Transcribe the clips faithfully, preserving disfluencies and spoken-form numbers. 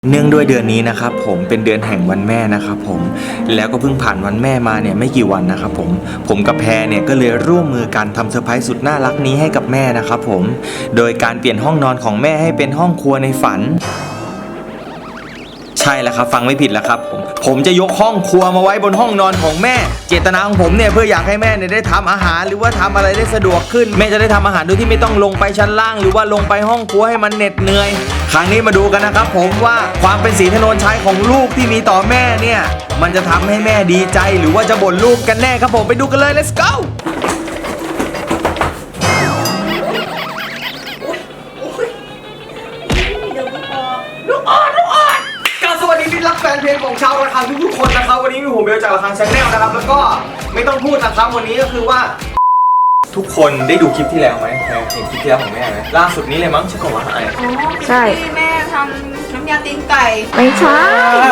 เนื่องด้วยเดือนนี้นะครับผมเป็นเดือนแห่งวันแม่นะครับผมแล้วก็เพิ่งผ่านวันแม่มาเนี่ยไม่กี่วันนะครับผมผมกับแพรเนี่ยก็เลยร่วมมือกันทำเซอร์ไพรส์สุดน่ารักนี้ให้กับแม่นะครับผมโดยการเปลี่ยนห้องนอนของแม่ให้เป็นห้องครัวในฝันใช่แล้วครับฟังไม่ผิดแล้วครับผมผมจะยกห้องครัวมาไว้บนห้องนอนของแม่เจตนาของผมเนี่ยเพื่ออยากให้แม่เนี่ยได้ทำอาหารหรือว่าทำอะไรได้สะดวกขึ้นแม่จะได้ทำอาหารโดยที่ไม่ต้องลงไปชั้นล่างหรือว่าลงไปห้องครัวให้มันเหน็ดเหนื่อยครั้งนี้มาดูกันนะครับผมว่าความเป็นศรีถนนชัยของลูกที่มีต่อแม่เนี่ยมันจะทำให้แม่ดีใจหรือว่าจะบ่นลูกกันแน่ครับผมไปดูกันเลย let's goสวัสดีที่รักแฟนเพลงของชาวระฆังทุกๆคนนะครับวันนี้มีผมเบลจากระฆังชาแนลนะครับแล้วก็ไม่ต้องพูดนะครับวันนี้ก็คือว่าทุกคนได้ดูคลิปที่แล้วไหมแพรเห็นคลิปที่แล้วของแม่ไหมล่าสุดนี้เลยมั้งใช่ของว่าอะไรใช่ที่แม่ทำน้ำยาตีนไก่ไม่ใช่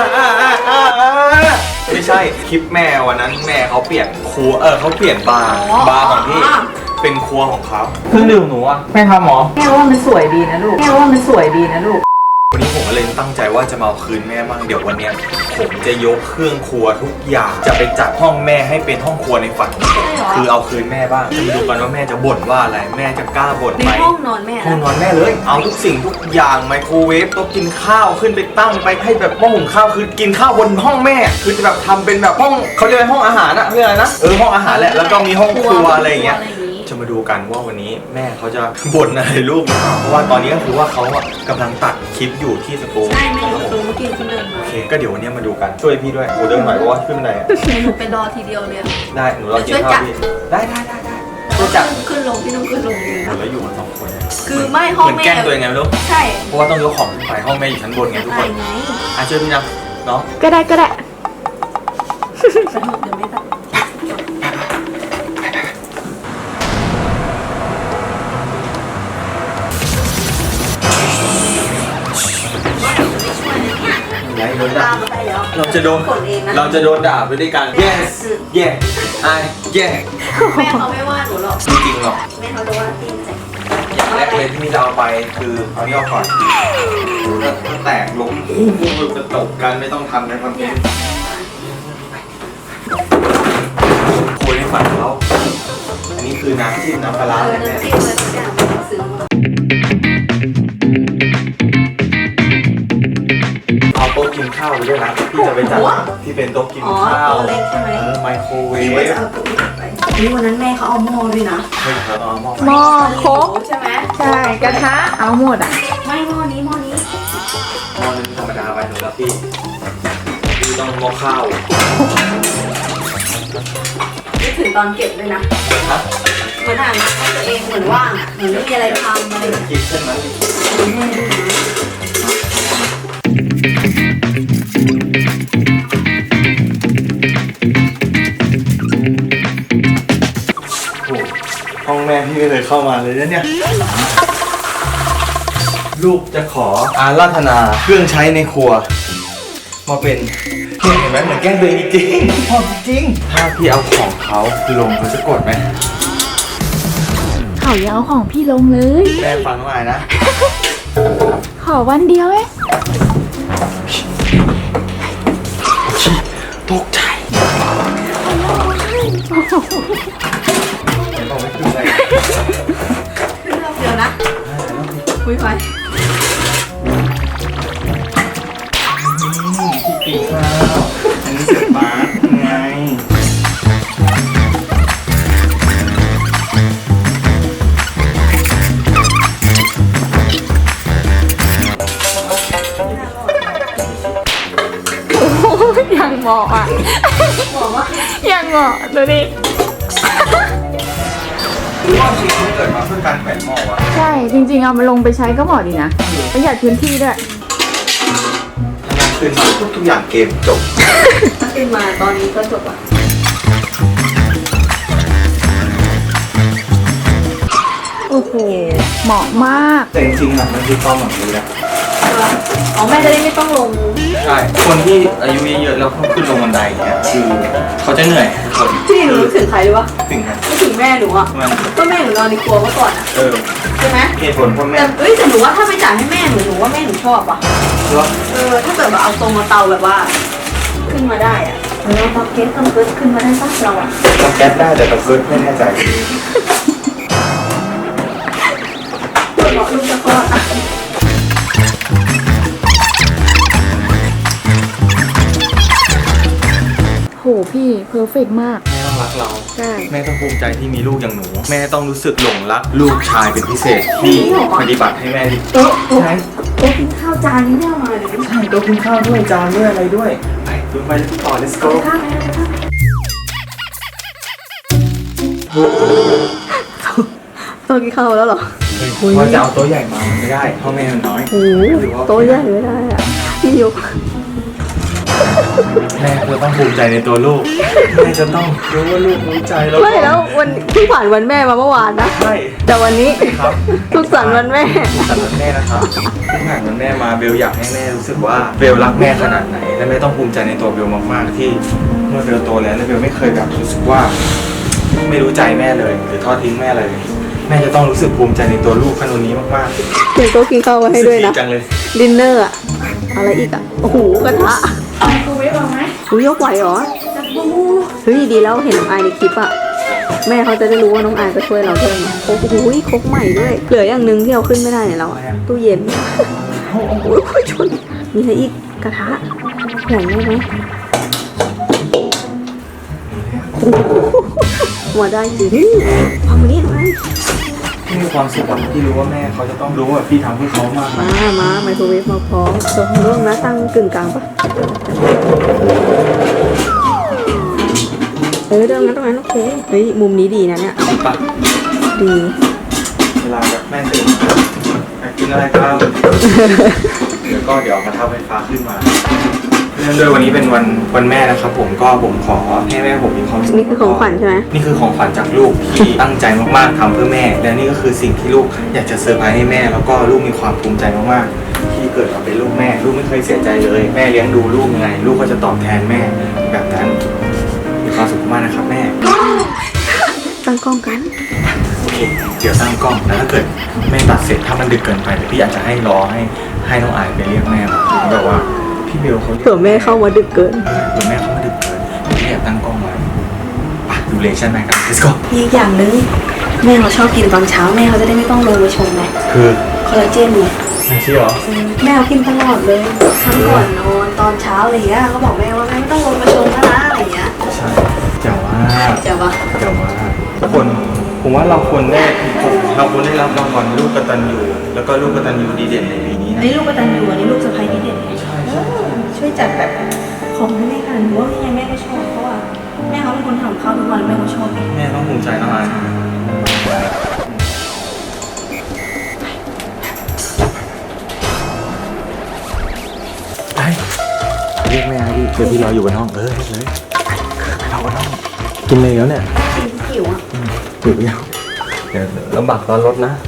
ไม่ใช่คลิปแม่วันนั้นแม่เขาเปลี่ยนครัวเออเขาเปลี่ยนบาร์บาร์ของพี่เป็นครัวของเขาเครื่องดื่มหนูอ่ะแม่ทำหรอแม่ว่ามันสวยดีนะลูกแม่ว่ามันสวยดีนะลูกวันนี้ผมก็เลยตั้งใจว่าจะมาเอาคืนแม่บ้างเดี๋ยววันนี้ผมจะยกเครื่องครัวทุกอย่างจะไปจัดห้องแม่ให้เป็นห้องครัวในฝันคือเอาคืนแม่บ้างจะมาดูกันว่าแม่จะบ่นว่าอะไรแม่จะกล้าบ่นไหมในห้องนอนแม่ห้องนอนแม่เลยเอาทุกสิ่งทุกอย่างไมโครเวฟโต๊ะกินข้าวขึ้นไปตั้งไปให้แบบหม้อหุงข้าวคือกินข้าวบนห้องแม่คือจะแบบทำเป็นแบบห้องเขาเรียกห้องอาหารอะเรียกอะไรนะเออห้องอาหารแหละแล้วก็มีห้องครัวอะไรอย่างเงี้ยจะมาดูกันว่าวันนี้แม่เขาจะบ่นอะไรลูกเพราะว่าตอนนี้ก็คือว่าเขาอะกำลังตัดคลิปอยู่ที่สตูใช่แม่อยู่สตูเมื่อกี้ขึ้นเดินมาโอเคก็เดี๋ยววันนี้มาดูกันช่วยพี่ด้วยโอ้เดินหน่อยเพราะว่าขึ้นบันไดอะหนูเป็นดอทีเดียวเลยได้หนูรอกินข้าวพี่ได้ได้ได้ได้ช่วยจับขึ้นลงพี่ต้องขึ้นลงเองนะแล้วอยู่กันสองคนคือไม่ห้องแม่เหมือนแกล้งตัวเองไงไม่รู้ใช่เพราะว่าต้องยกของขึ้นไปห้องแม่อยู่ชั้นบนไงทุกคนอ่ะช่วยพี่นะเนาะก็ได้ก็ได้สนุกเดี๋ยวไม่ตัดเราจะโดนเราจะโดนด่าไปด้วยกัน yes yes I yes แม่เขาไม่ว่าหนูหรอกจริงหรอกแม่เขาจะว่าตีนใส่อย่างแรกเลยที่เราไปคือเอานี่ออกก่อนถ้าแตกล้มอู้หูจะตกกันไม่ต้องทำในคอนเทนต์คุยในฝันเขาอันนี้คือน้ำจิ้มน้ำปลาร้าเลยแม่เอาโต๊ะกินข้าวไปด้วยนะที่จะไปจัดที่เป็นโต๊ะกินข้าวเล็กใช่ไหมไมโครเวฟนี่วันนั้นแม่เขาเอาหม้อด้วยนะหม้อโค้กใช่ไหมใช่กระทะเอาหมดอ่ะไม่หม้อนี้หม้อนี้หม้อนึงธรรมดาไปหนูแล้วพี่พี่ต้องหม้อข้าวนึกถึงตอนเก็บเลยนะเหมือนอ่านตัวเองเหมือนว่างเหมือนไม่มีอะไรทำอะไรคิดเช่นนั้นห้องแม่พี่ไม่เคยเข้ามาเลยนะเนี่ยลูกจะขออาราธนาเครื่องใช้ในครัวมาเป็นเห็นไหมเหมือนแกล้งตัวเองจริงพอจริงถ้าพี่เอาของเขาลงเขาจะกดไหมเขาอย่าเอาของพี่ลงเลยแม่ฟังว่าไงนะขอวันเดียวเองตกใจต้องไม่ขึ้นเลยขึ้นรอบเดียวนะคุยไปพี่ปีกข้าวอันนี้เสร็จมาไงยังเหมาะอ่ะยังเหมาะดูดิคือว่าชีวิตเกิดมาเพื่อการแขวนหม้อวะใช่จริงๆเอามาลงไปใช้ก็เหมาะดีนะประหยัดพื้นที่ด้วยทำงานคืนมาทุกทุกอย่างเกมจบถ้าคืนมาตอนนี้ก็จบอ่ะโอ้โหเหมาะมากแต่จริงๆอ่ะมันคือความหวังดีนะอ๋อแม่จะได้ไม่ต้องลงใช่คนที่อายุเยอะๆแล้วเขาขึ้นลงบันไดอย่างเงี้ยคือเขาจะเหนื่อยทุกคนพี่หนูรู้ถึงใครรู้ปะถึงนะรู้ถึงแม่หนูอ่ะมันก็แม่หนูนอนในครัวเมื่อก่อนอ่ะเออใช่ไหมเหตุผลพ่อแม่แต่เอ้ยแต่หนูว่าถ้าไปจ่ายให้แม่หนูหนูว่าแม่หนูชอบอ่ะเพราะเออถ้าเกิดแบบเอาตรงมาเตาแบบว่า ขึ้นมาได้อ่ะเออเตาเก๊สเตาเก๊สขึ้นมาได้ปะเราอ่ะทำแก๊สได้แต่ตะเกิดไม่แน่ใจเปิดบอกลูกจะคลอดอ่ะโหพี่เพอร์เฟกมากแม่ต้องรักเราใช่แม่ต้องภูมิใจที่มีลูกอย่างหนู แม่ต้องรู้สึกหลงรักลูกชายเป็นพิเศษที่ปฏิบัติให้แม่ดีโต๊ะโต๊ะใช่โต๊ะกินข้าวจานนี้ไม่เอามาเลยใช่โต๊ะกินข้าวด้วยจานด้วยอะไรด้วยไปดูไปต่อ let's go ข้าวไหมข้าวโต๊ะกินข้าวแล้วเหรอว่าจะเอาโต๊ะใหญ่มามันไม่ได้เพราะแม่มันน้อยโอ้โต๊ะใหญ่ไม่ได้อ่ะพี่ยกแม่จะต้องภูมิใจในตัวลูกแม่จะต้องรู้ว่าลูกรู้ใจแล้วไม่แล้ววันเพิ่งผ่านวันแม่มาเมื่อวานนะใช่แต่วันนี้ครับทุกสันต์วันแม่ทุกสันต์วันแม่นะครับที่ผ่านวันแม่มาเบลอยากให้แม่รู้สึกว่าเบลรักแม่ขนาดไหนและแม่ต้องภูมิใจในตัวเบลมากๆที่เมื่อเบลโตแล้วและเบลไม่เคยแบบรู้สึกว่า ไม่รู้ใจแม่เลยหรือทอดทิ้งแม่เลย แม่จะต้องรู้สึกภูมิใจในตัวลูกขนาดนี้มากๆเดี๋ยวโต๊ะกินข้าวไว้ให้ด้วยนะรู้สึกจังเลยดินเนอร์อะอะไรอีกอะโอ้โหกระทะกูเวฟเอาไหมหูยกไหวเหรอเฮ้ยดีแล้วเห็นน้องอายในคลิปอะแม่เขาจะได้รู้ว่าน้องอายก็ช่วยเราด้วยไงโอ้โหครกใหม่ด้วย เหลืออย่างหนึ่งที่เราขึ้นไม่ได้เนี่ยเราอะตู้เย็นโอ้โหชนมีอะไรอีกกระทะใหญ่ไหมโอ้โหมาได้จริงเอามานี่มาที่มีความสุขอะที่รู้ว่าแม่เขาจะต้องรู้ว่าพี่ทำเพื่อเขามากมานะมาไมโครเวฟมาพร้อมตรงร่วงนะตั้งกึ่งกลางปะเออเดิมนั้นตรงนั้นโอเคเฮ้ยมุมนี้ดีนะเนี่ยดีปะดีเวลาแบบแม่ตื่นอยากกินอะไรครับ เดี๋ยวก็เดี๋ยวเอากระทะไฟฟ้าขึ้นมาเนื่องด้วยวันนี้เป็นวันวันแม่นะครับผมก็ผมขอให้แม่ผมมีความสุขนี่คือของขวัญใช่ไหมนี่คือของขวัญจากลูกที่ตั้งใจมากๆทำเพื่อแม่ และนี่ก็คือสิ่งที่ลูกอยากจะเซอร์ไพรส์ให้แม่ แล้วก็ลูกมีความภูมิใจมากๆที่เกิดมาเป็นลูกแม่ ลูกไม่เคยเสียใจเลย แม่เลี้ยงดูลูกยังไง ลูกก็จะตอบแทนแม่แบบนั้นมีความสุขมากนะครับแม่ตั้งกล้องกันโอเคเดี๋ยวตั้งกล้องแล้วถ้าเกิดแม่ตัดเสร็จถ้ามันดึกเกินไปเดี๋ยวพี่อาจจะให้รอให้ให้น้องอายไปเรียกแม่มาแบบว่าพี่เบลเขาเผื่อแม่เข้ามาดึกเกินเออเผื่อแม่เขามาดึกเกินพี่อยากตั้งกล้องไว้ไปดูเลชั่นแม่กัน let's go อีกอย่างนึงแม่เขาชอบกินตอนเช้าแม่เขาจะได้ไม่ต้องลงมาชงไงคือคอลลาเจนไงไม่ใช่หรอแม่เขากินตลอดเลยทั้งก่อนนอนตอนเช้าอะไรเงี้ยเขาบอกแม่ว่าแม่ไม่ต้องลงมาชงนะนะอะไรเงี้ยใช่เจ๋งมากเจ๋งปะเจ๋งมากทุกคนผมว่าเราควรได้เราควรได้รับรางวัลลูกกตัญญูแล้วก็ลูกกตัญญูดีเด่นในปีนี้อันนะนี้ลูกกตัญญูอันนี้ลูกสะใภ้ที่เด่นใช่ใช่ใช่ช่วยจัดแบบของให้แม่กันหรือว่ายังไงแม่ก็ชอบเพราะว่าแม่เขาเป็นคนทำข้าวทุกวันแม่เขาชอบไงแม่ต้องภูมิใจน้องอายไปเรียกแม่ดิเดี๋ยวพี่รออยู่บนห้องเออเรียกเลยไปรอบนห้องกินเลยแล้วเนี่ยหิวอ่ะหิวยังเดี๋ยวลำบากตอนรถนะ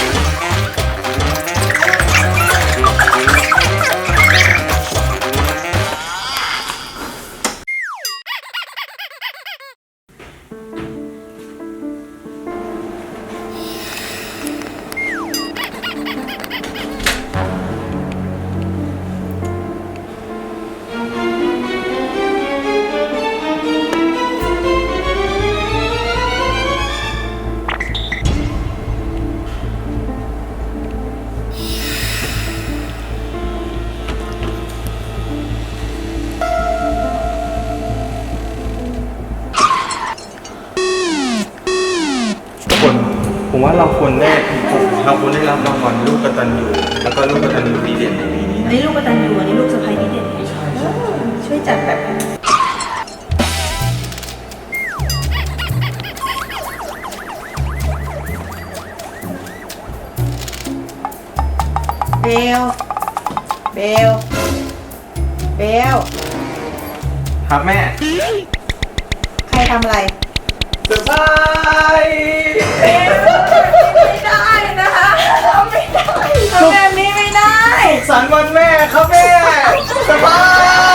คนผมว่าเราควรได้เราควรได้รับรางวัลลูกกตัญญูแล้วก็ลูกกตัญญูดีเด่นในปีนี้อันนะนี้ลูกกตัญญูอันนี้ลูกสะใภ้ที่เด่นใช่ใช่ช่วยจัดแบบเบลเบลเบลครับแม่ใครทำอะไรเซอร์ไพรส์ไม่ได้นะคะทำไม่ได้ทำแบบนี้ไม่ได้ขสันต์วันแม่ครับแม่สบาย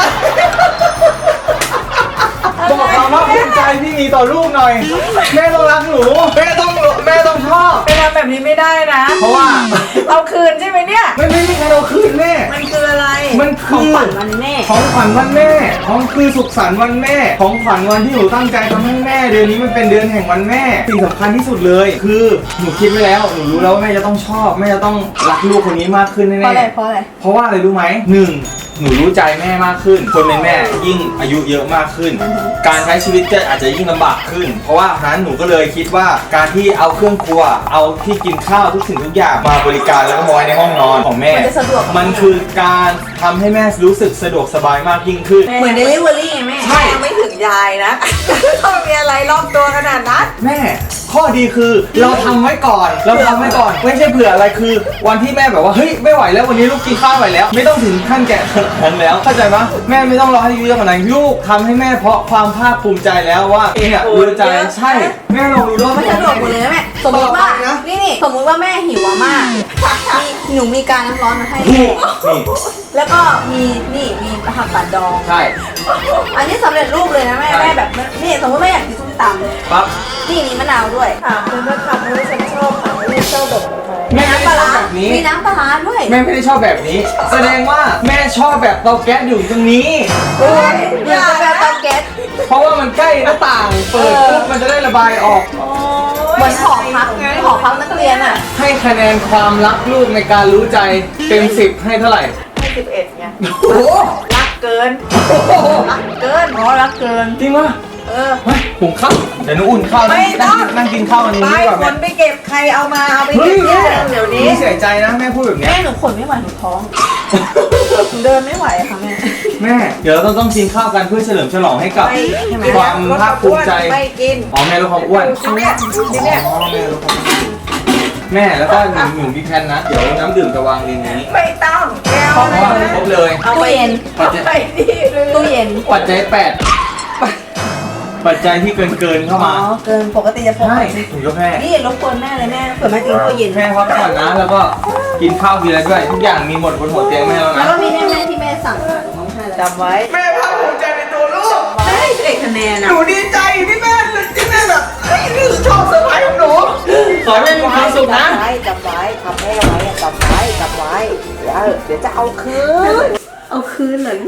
บอกความภาคภูมิใจที่มีต่อลูกหน่อยแม่ต้องรักหนูแม่ต้องแม่ต้องชอบไปทำแบบนี้ไม่ได้นะเพราะว่าเอาคืนใช่ไหมเนี่ยไม่ไม่มีใครเอาคืนแม่มันคืออะไรมันขคืองอขวัญวันแม่ของขวัญวันแม่ของคือสุขสันต์วันแม่ ของขวัญวันที่หนูตั้งใจทำให้แม่ เดือนนี้มันเป็นเดือนแห่งวันแม่สิ่งสำคัญที่สุดเลย คือหนูคิดไว้แล้วหนูรู้แล้วว่าแม่จะต้องชอบแม่จะต้องรักลูกคนนี้มากขึ้นแน่ๆเพราะอะไรเพราะอะไรเพราะว่าอะไรรู้ไหมหนึ่งหนูรู้ใจแม่มากขึ้น คนเป็นแม่ยิ่งอายุเยอะมากขึ้น การใช้ชีวิตก็อาจจะยิ่งลำบากขึ้น เพราะว่าฉะนั้นหนูก็เลยคิดว่าการที่เอาเครื่องครัว เอาที่กินข้าวทุกสิ่งทุกอย่างมาบริการแล้วก็มาไว้ในห้องนอนของแม่มันจะสะดวกมันคือการทำให้แม่รู้สึกสะดวกสบายมากยิ่งขึ้นเหมือนเดลิเวอรี่ไงแม่ใช่ยังไม่ถึงยายนะ ต้องมีอะไรรอบตัวขนาดนั้นแม่ข้อดีคือเราทำไว้ก่อนเราทำไว้ก่อนไม่ใช่เผื่ออะไรคือ วันที่แม่แบบว่าเฮ้ยไม่ไหวแล้ววันนี้ลูกกินข้าวไหวแล้ว ไม่ต้องถึงขั้นแก่ขนาดนั้นแล้วเข้าใจปะแม่ไม่ต้องรอให้อายุเยอะขนาดนั้นลูกทำให้แม่เพราะความภาคภูมิใจแล้วว่าเองอ่ะรู้ใจใช่แม่ลองดูด้วยมันสะดวกหมดเลยนะแม่ สมมติว่าต่อไปนะนี่นี่สมมติว่าแม่หิวอะมากมีหนูมีการน้ำร้อนมาให้นี่แม่นี่แล้วก็มีนี่มีผักกาดดองใช่อันนี้สำเร็จรูปเลยนะแม่ใช่แม่แบบนี่สมมติแม่อยากกินส้มตำปั๊บนี่มีมะนาวด้วยถามคุณว่าทำให้ฉันชอบถามว่าชอบแบบไหนแม่ไม่ปได้ลาชอบร้าแบบนี้มีน้ำปลาร้าด้วยแม่ไม่ได้ชอบแบบนี้ แสดงว่าแม่ชอบแบบเตาแก๊สอยู่ตรงนี้เออเหมือนกับแบบเตาแก๊สเพราะว่ามันใกล้หน้าต่างเปิดปุ๊บมันจะได้ระบายออกเหมือนหอพักหอพักนักเรียนอะให้คะแนนความรักลูกในการรู้ใจเต็มสิบให้เท่าไหร่ให้สิบเอ็ดไงโอ้โหรักเกิน รักเกินอ๋อรักเกินจริงวะเออเฮ้ยหุงข้าวเดี๋ยวหนูอุ่นข้าวไม่ต้องนั่งกินข้าวอันนี้ไปดีกว่าคแม่นไปเก็บใครเอามาเอาไปเฮ้เก็ยบแม่เดี๋ยวนี้เสียใจนะแม่พูดแบบเนี้ยแม่หนูขนไม่ไหวหนูท้องหนูเดินไม่ไหวอะค่ะแม่แม่เดี๋ยวเราต้องต้องกินข้าวกันเพื่อเฉลิมฉลองให้กับไม่ใช่ไหมความภาคภูมิใจไม่กินอ๋อแม่ลดความอ้วนที่เนี่ยที่เนี่ยอ๋อแม่ลดความอ้วนแม่แล้วก็หนึ่งหนึ่งพี่แพนนะเดี๋ยวน้ำดื่มจะวางในนี้ไม่ต้องแก้วเพราะว่าครบเลยเอาตู้ไปเย็นปัจจัยไปดีเลยตู้เย็นปัจจัยแปดปัจจัยที่เกินเกินๆเข้าอ๋อมาเกินปกติจะพกใช่ไปถูกยกแม่นี่รบกวนแม่เลยแม่เผื่อแม่กินตู้เย็นแม่พักผ่อนนะแล้วก็กินข้าวทีละด้วยทุกอย่างมีหมดบนหัวเตียงแม่แล้วแล้วนะก็มีแม่แม่ที่แม่สั่งมาหนูต้องให้แล้วจำไว้แม่ภาคภูมิใจในตัวลูกแม่สิบเอ็ดคะแนนหอะนูดีใจที่แม่ที่แม่แบบเฮ้ยนี่ชอบเซอร์ไพรส์ของหนูขอให้แม่มีความสุขนะจำไว้จำไว้ทำแม่ไว้จำไว้จำไว้เดี๋ยวเดี๋ยวจะเอาคืนเอาคืนเหรอ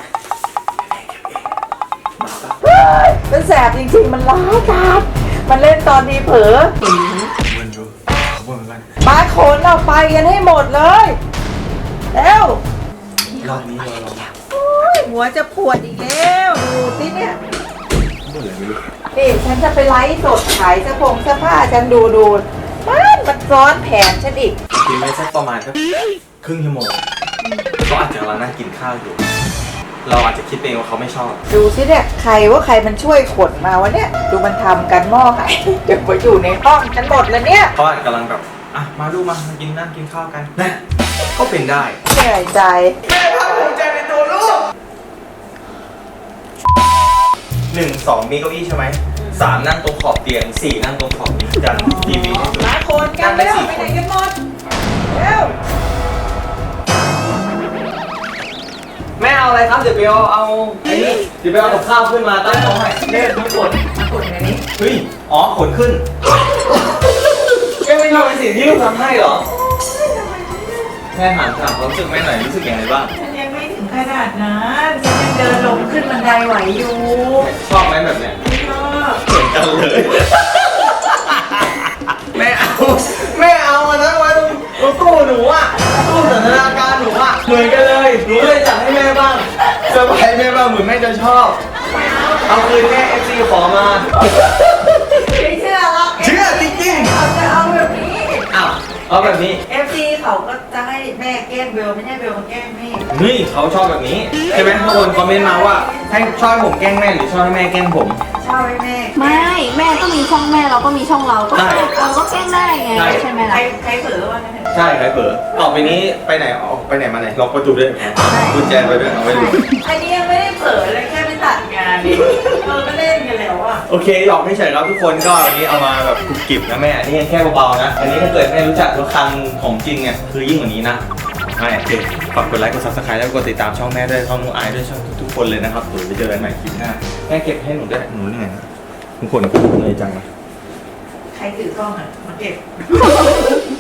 มันแสบจริงๆมันร้ายกาจมันเล่นตอนทีเผลอวนดูวนกันมาขนเอาไปกันให้หมดเลยเร็วรอบนี้เราลองโอ๊ยหัวจะปวดอีกแล้วดูสิเนี่ยเมื่อไหร่ไม่รู้นี่ฉันจะไปไลฟ์สดขายเสื้อผงเสื้อผ้าฉันดูดูมันมันซ้อนแผนฉันอีกกินไปสักประมาณสักครึ่งชั่วโมงก็อาจจะกำลังนั่งกินข้าวอยู่ เราอาจจะคิดเองว่าเขาไม่ชอบดูสิเนี่ยใครว่าใครมันช่วยขนมาวะเนี่ยดูมันทำกันหม้อไข่เดี๋ยวมาอยู่ในห้องฉันหมดแล้วเนี่ยเขาอาจจะกำลังแบบอ่ะมาดูมามากินนั่งกินข้าวกันนะก็เป็นได้เหนื่อยใจแม่ภาคภูมิใจในตัวลูกหนึ่งสองมีเก้าอี้ใช่ไหมสามนั่งตรงขอบเตียงสี่นั่งตรงขอบนี้จันทีวีให้ดูมาโคนกันแล้วไปไหนกันหมดเร็วแม่เอาอะไรครับเดี๋ยวไปเอาเอาไอ้นี่เดี๋ยวไปเอากับข้าวขึ้นมาตั้งโต๊ะให้เล่นทั้งหมดมาขนในนี้เฮ้ยอ๋อขนขึ้นแม่ไม่ทำเป็นสิ่งที่ลูกทำให้เหรอแม่ถามถามความรู้สึกแม่หน่อยรู้สึกยังไงบ้างฉันยังไม่ถึงขนาดนั้นฉันยังเดินลงขึ้นบันไดไหวอยู่ชอบไหมแบบเนี้ยชอบเหมือนกันเลย แม่เอาแม่เอาอันนั้นไว้ตรงตรงตู้หนูอ่ะตู้สันทนาการหนูอ่ะเหมือนกันเลยหนูเลยจัดให้แม่บ้างเซอร์ไพรส์แม่บ้างเหมือนแม่จะชอบ เอาคืนแม่เอฟซีขอมาไม่เชื่อหรอกเชื่อจริงเขาจะเอาแบบนี้ๆอ้าวเอาแบบนี้เอฟซีเขาก็จะให้แม่แกล้งเบลไม่ใช่เบลมาแกล้งแม่นี่เขาชอบแบบนี้ใช่ไหมทุกคนคอมเมนต์มาว่าให้ชอบให้ผมแกล้งแม่หรือชอบให้แม่แกล้งผมชอบให้แม่ไม่แม่ก็มีช่องแม่เราก็มีช่องเราก็ใช่เราก็แกล้งได้ไงใช่ใช่ไหมใครล่ะใครเผลอวะนั่นใช่ใครเผลอต่อไปนี้ไปไหนออกไปไหนมาไหนล็อกประตูด้วยกุญแจไปด้วยเอาไว้ดูอันนี้ยังไม่ได้เผลอเลยแค่ไปตัดงานดิเราก็เล่นกันแล้วอ่ะโอเคหลอกไม่เฉยครับทุกคนก็วันนี้เอามาแบบกรุบกริบนะแม่อันนี้ยังแค่เบาๆนะอันนี้ถ้าเกิดแม่รู้จักรถคันของจริงเนี่ยคือยิ่งกว่านี้นะให้โอเคฝากกดไลค์กดซับสไครต์แล้วก็กดติดตามช่องแม่ด้วยช่องน้องอายด้วยช่องทุกๆคนเลยนะครับเดี๋ยวไปเจอกันใหม่คลิปหน้าแม่เก็บให้หนูด้วยหนูเหนื่อยนะทุกคนเหนื่อยจังเลยใครถือกล้องอ่ะมาเก็บ